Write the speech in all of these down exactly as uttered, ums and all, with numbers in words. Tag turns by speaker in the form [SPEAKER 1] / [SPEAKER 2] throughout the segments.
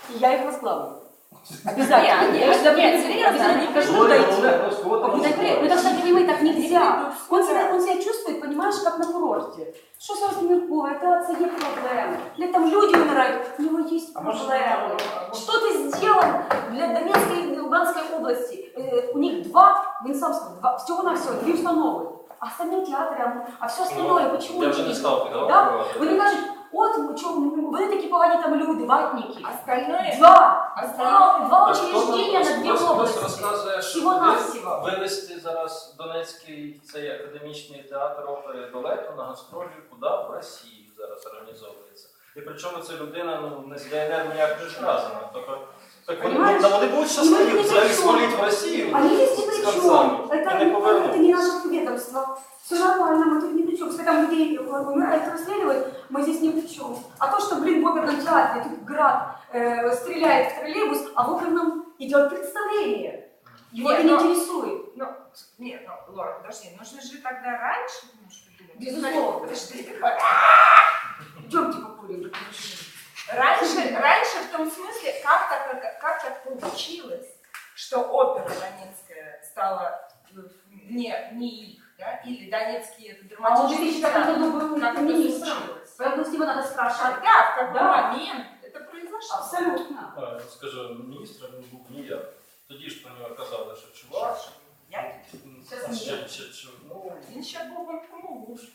[SPEAKER 1] и я их возглавлю. Обязательно.
[SPEAKER 2] Нет, нет, нет, серьезно, они
[SPEAKER 1] каждый дойти.
[SPEAKER 2] Вы
[SPEAKER 1] Вы должны понимать, так нельзя. Он себя, он себя чувствует, понимаешь, как на курорте. Что с Миркова? Это отца нет проблем. Или там люди умирают, у него есть проблемы. Что ты сделал для Донецкой и Луганской области? Э, у них два, в Инсамском, два, всего-навсего, две установы. А остальные театры, а, а все остальное,
[SPEAKER 3] ну,
[SPEAKER 1] почему?
[SPEAKER 3] Я вже не став
[SPEAKER 1] Да? Вони кажуть, от, чо, вони такі погані там люди, ватники.
[SPEAKER 2] Остальное?
[SPEAKER 1] Два!
[SPEAKER 2] Остальное?
[SPEAKER 1] Два, два учреждения на дві області.
[SPEAKER 3] Розказує, що
[SPEAKER 1] Всього-навсього.
[SPEAKER 3] вивезти зараз Донецький цей академічний театр опери і балету на гастролі куди? В Росію зараз організовується. І причому ця людина ну, не з ДНР ніяк не зв'язана. Тобто, так вони, ну, вони будуть щасливі взагалі свалити в Росію
[SPEAKER 1] Они здесь ни
[SPEAKER 3] з
[SPEAKER 1] при чем.
[SPEAKER 3] концами.
[SPEAKER 1] Это,
[SPEAKER 3] І не
[SPEAKER 1] это
[SPEAKER 3] повернуть.
[SPEAKER 1] не наше ведомство. Все нормально, мы тут ни при чем. Если там людей умирают, расстреливают, мы здесь ни при чем. А то, что, блин, в оперном театре тут град э, стреляет в троллейбус, а в оперном идет представление. Его
[SPEAKER 2] Нет,
[SPEAKER 1] это не
[SPEAKER 2] но-
[SPEAKER 1] интересует.
[SPEAKER 2] Ну, нет, ну, Лора, подожди, нужно же тогда раньше немножко думать.
[SPEAKER 1] Безусловно.
[SPEAKER 2] Подожди.
[SPEAKER 1] Идемте покурим.
[SPEAKER 2] Раньше, раньше в том смысле, как так, как так получилось, что опера Донецкая стала не, не их, да, или Донецкий это
[SPEAKER 1] А он в
[SPEAKER 2] драматический
[SPEAKER 1] две тысячи пятом
[SPEAKER 2] театр,
[SPEAKER 1] году был
[SPEAKER 2] как это
[SPEAKER 1] министром.
[SPEAKER 2] случилось?
[SPEAKER 1] Поэтому с него надо спрашивать.
[SPEAKER 2] Когда, в какой
[SPEAKER 1] Да.
[SPEAKER 2] момент это произошло?
[SPEAKER 1] Абсолютно.
[SPEAKER 3] А, скажу, міністр він був ніяк. Тоді ж про нього казали, що чувак.
[SPEAKER 2] Я?
[SPEAKER 1] Сейчас
[SPEAKER 3] Ще-
[SPEAKER 1] нет.
[SPEAKER 3] ще- ще- ну,
[SPEAKER 2] Він ще був в кому муж.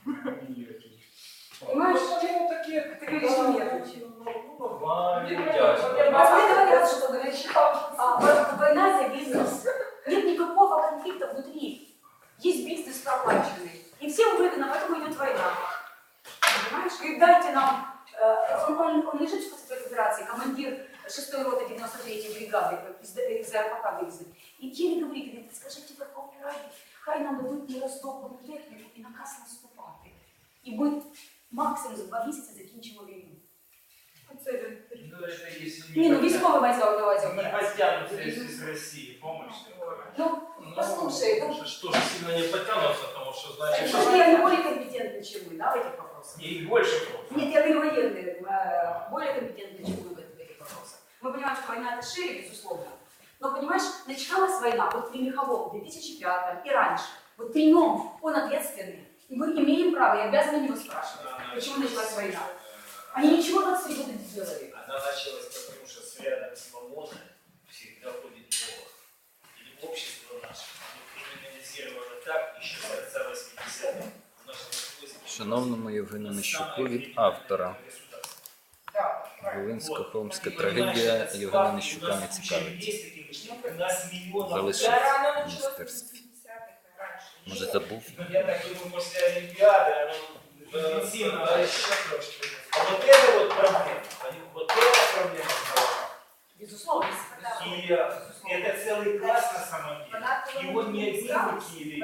[SPEAKER 1] Понимаешь,
[SPEAKER 3] ну, таке,
[SPEAKER 1] ты говоришь, что нет.
[SPEAKER 3] ну, нормально,
[SPEAKER 2] Нет,
[SPEAKER 3] дядько.
[SPEAKER 2] нет,
[SPEAKER 1] А вы говорят, что говоришь, а, вот война за бизнес. Нет никакого конфликта внутри. Есть бизнес проплаченный. И всем выгодно, поэтому идет война. Понимаешь? И дайте нам, э, он, он, он лежит в спецоперации операции, командир шестой роты девяносто третьей бригады из, из РПК выездит. И еле говорит, говорит, скажите Верховной Раді, хай нам дадуть нероздобану техніку і наказ наступати. І ми максимум за два місяці закінчимо війну.
[SPEAKER 2] Оце він.
[SPEAKER 4] Ну, это если
[SPEAKER 1] Ні, ну
[SPEAKER 4] не
[SPEAKER 1] військовий мається на увазі.
[SPEAKER 4] не потянутся из России, помощь.
[SPEAKER 1] Ну, послушай, ну,
[SPEAKER 3] Что, что же сильно не потянутся, потому что, значит,
[SPEAKER 1] потому что я не более компетентна, чем вы, да, в этих вопросах?
[SPEAKER 4] И больше просто.
[SPEAKER 1] Нет, я говорю военные, э, более компетентны, чем вы в этих, в этих вопросах. Мы понимаем, что война это шире, безусловно. Но, понимаешь, начиналась война вот при Михалове в две тысячи пятом и раньше. Вот при нем он ответственный. И мы имеем право, и обязаны его спрашивать, почему началась война. Они ничего двадцать три года не сделали.
[SPEAKER 5] Она началась потому, что с рядом свободы всегда ходит Бог. Или общество наше, оно криминализировано так еще с конца восьмидесятых. У нас нашлось-
[SPEAKER 6] Шановному Євгену Нищуку від автора.
[SPEAKER 2] Да,
[SPEAKER 6] Волинсько-Холмська трагедія Євгена Нищука не цікавить.
[SPEAKER 4] У нас миллионов.
[SPEAKER 6] Залишив
[SPEAKER 2] Да,
[SPEAKER 6] в
[SPEAKER 2] рано началось в
[SPEAKER 6] міністерстві.
[SPEAKER 2] восьмидесятых, раньше.
[SPEAKER 6] Може, забув?
[SPEAKER 4] Я так думаю, после Олимпиады оно
[SPEAKER 3] Да,
[SPEAKER 4] интенсивно.
[SPEAKER 3] да,
[SPEAKER 4] еще трошки. А вот это вот проблема. Вот это проблема.
[SPEAKER 1] Безусловно.
[SPEAKER 4] И э, это целый класс на самом деле. Его не один в Киеве.